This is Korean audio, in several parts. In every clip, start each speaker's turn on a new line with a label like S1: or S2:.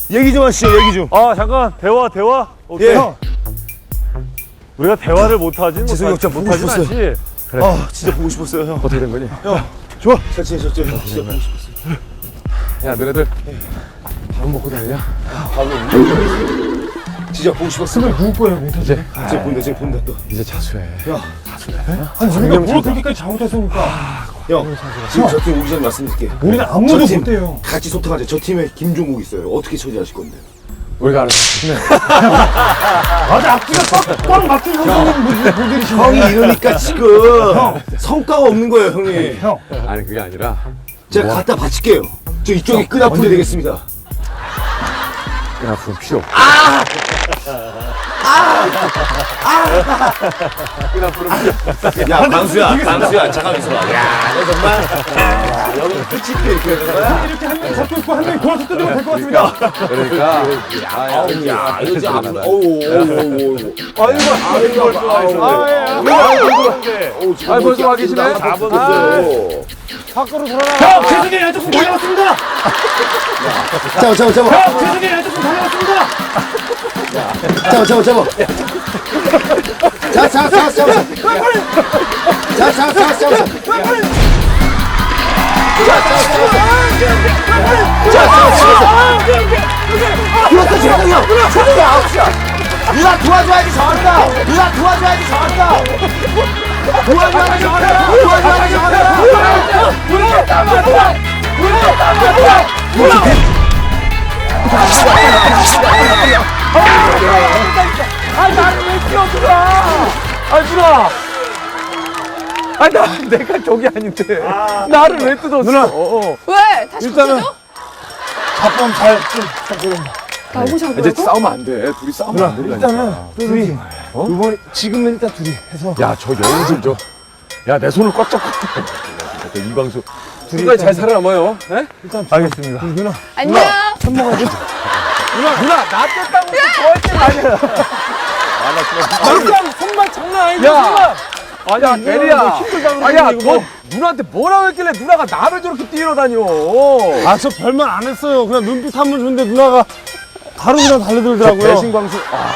S1: 얘기 좀 하시죠, 얘기 좀.
S2: 아 잠깐 대화. 오케이.
S1: 예.
S2: 우리가 대화를 못하진
S1: 재석이 형 진짜 보고
S2: 못하진
S1: 싶었어요.
S2: 않지. 그래.
S1: 아, 진짜 보고 싶었어요, 형.
S2: 어떻게 된 거니?
S1: 형, 좋아. 잘 지내셨죠? 형, 진짜 보고 싶었어요.
S2: 야 너네들 밥 먹고 다니냐?
S1: 진짜 보고 싶었어요.
S3: 누구 거예요,
S2: 이제
S1: 제가 본다 또.
S2: 이제 자수해.
S3: 아니 우리가 뭘 그렇게까지 잘못했습니까?
S1: 형, 지금 저 팀 오기 전에 말씀드릴게요.
S3: 우리는 아무도
S1: 저 팀
S3: 못해요.
S1: 같이 소통하자. 저 팀에 김종국 있어요. 어떻게 처리하실 건데?
S2: 우리가 알아서.
S3: 맞아, 앞뒤가 꽉 막힌 분들이시네.
S1: 형이 이러니까 지금 성과가 없는 거예요, 형님.
S3: 형,
S2: 아니 그게 아니라
S1: 제가 갖다 바칠게요. 저 이쪽에 끈아풀이 되겠습니다.
S2: 그냥 아픈 필요 없고.
S1: 야, 광수야, 잠깐 있어봐. 야, 너 정말. 야, 여기 끝이 이렇게 되는 거야?
S3: 이렇게 한 명이 잡고 있고 한 명이 돌아서 뜯으면 될 것 같습니다.
S2: 그러니까
S1: 야, 이거 진짜 아픈. 어우.
S2: 아 벌써 와 계시네.
S1: 잡아줬어요.
S3: 밖으로 돌아라. 형, 재승이 양쪽으로 달려왔습니다.
S1: 잡아.
S3: 형, 재승이 양쪽으로 달려왔습니다.
S1: 잡아. 그렇다, 재동이 형. 재동이 아웃이야. 누나 도와줘야지 잘한다. 도와줘야지 잘한다.
S2: 아니 나를 왜 뛰어들어? 아니 누나. 아니 내가 저기 아닌데 나를 왜 뜯었어? 누나.
S4: 왜? 다시
S3: 일단은
S4: 붙여줘?
S3: 잡범 잘
S4: 나오고
S2: 이제
S4: 잡으라고?
S2: 싸우면 안 돼. 둘이 싸우면 안 된다니까.
S3: 일단은 둘이 이번 지금은 일단 둘이 해서
S2: 야저 여우 좀 줘. 야 내 손을 꽉 잡고. 이광수. 둘이 잘 살아남아요. 네?
S3: 일단 알겠습니다. 누나
S4: 안녕.
S2: 누나 나 뜯다고 저할 때 아니야.
S3: 일단 손만 장난 아니지.
S2: 야. 아니야 대리야.
S3: 힘들다고
S2: 아야
S3: 그러는데, 이거
S2: 너 누나한테 뭐라고 했길래 누나가 나를 저렇게 뛰어다녀.
S3: 아, 저 별말 안 했어요. 그냥 눈빛 한 번 줬는데 누나가 바로 그냥 달려들더라고요.
S2: 배신광수.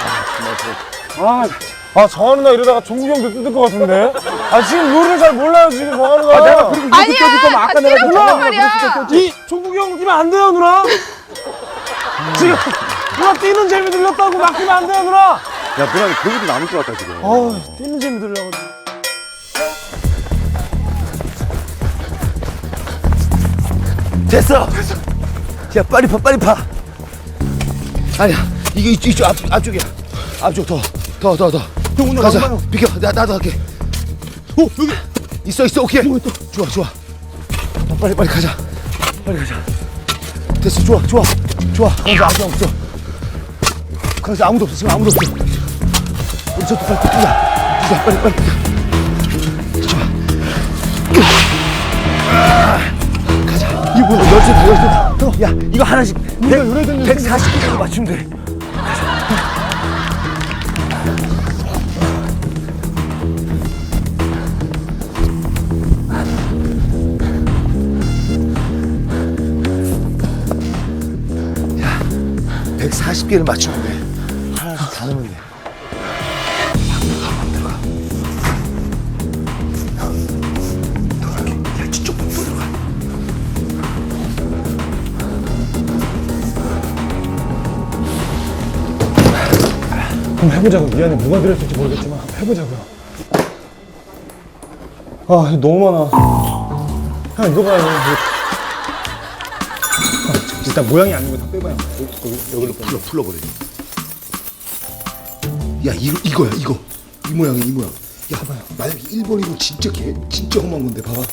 S3: 정하는 나 이러다가 종국 형도 뜯을 것 같은데. 지금 룰을 잘 몰라요, 지금 정하는 가.
S2: 내가 그리고 이렇게
S4: 아니야.
S2: 껴줄 거면 아까 내가
S4: 뛰라고
S2: 줬잖아.
S4: 말이야.
S3: 이 종국이 형 뛰면 안 돼요, 누나. 지금 누나 뛰는 재미 들렸다고 막히면 안 돼요, 누나.
S2: 야 누나는 거기도 남을 것 같다 지금.
S3: 뛰는 재미 들려가지고.
S1: 됐어. 야, 빨리 파. 아니야, 이게 이쪽 앞쪽이야. 앞쪽 더.
S3: 형 오늘
S1: 가자.
S3: 얼마나
S1: 비켜. 나도 할게. 여기 있어. 오케이. 좋아. 빨리 가자. 됐어. 좋아. 거기서 아무도 없어. 거기서 아무도 없어. 지금 아무도 없어. 우리 저도 빨리 뛰자. 빨리 뛰자. 좋아. 가자. 이거 뭐야? 열쇠다. 야, 이거 하나씩 140개로 맞추면 돼. 야, 140개를 맞추면 돼. 하나씩 다 넣으면 돼. 야, 저쪽 들어가.
S3: 한번 해보자고. 미안해, 누가 들었을지 모르겠지만 한번 해보자고요. 너무 많아. 형 이거 봐요. 일단 모양이 아닌 거 다 빼봐요.
S1: 여기로 풀어버려. 야, 이거야. 이 모양이야. 야, 봐봐요. 만약에 1번이고 진짜 험한 건데, 봐봐.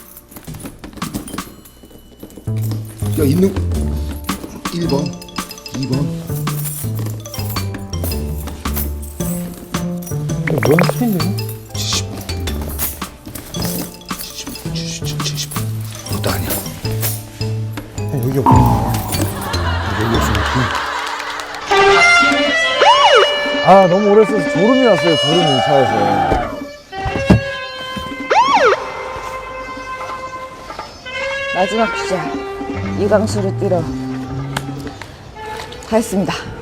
S1: 야, 있는 1번, 2번.
S3: 모양 틀린데?
S1: 70. 그것도 아니야.
S3: 여기 없구나.
S1: 여기 없으면
S2: 너무 오래 써서 졸음이 났어요. 졸음이 차에서.
S4: 마지막 주자. 이광수를 뛰러. 다 했습니다.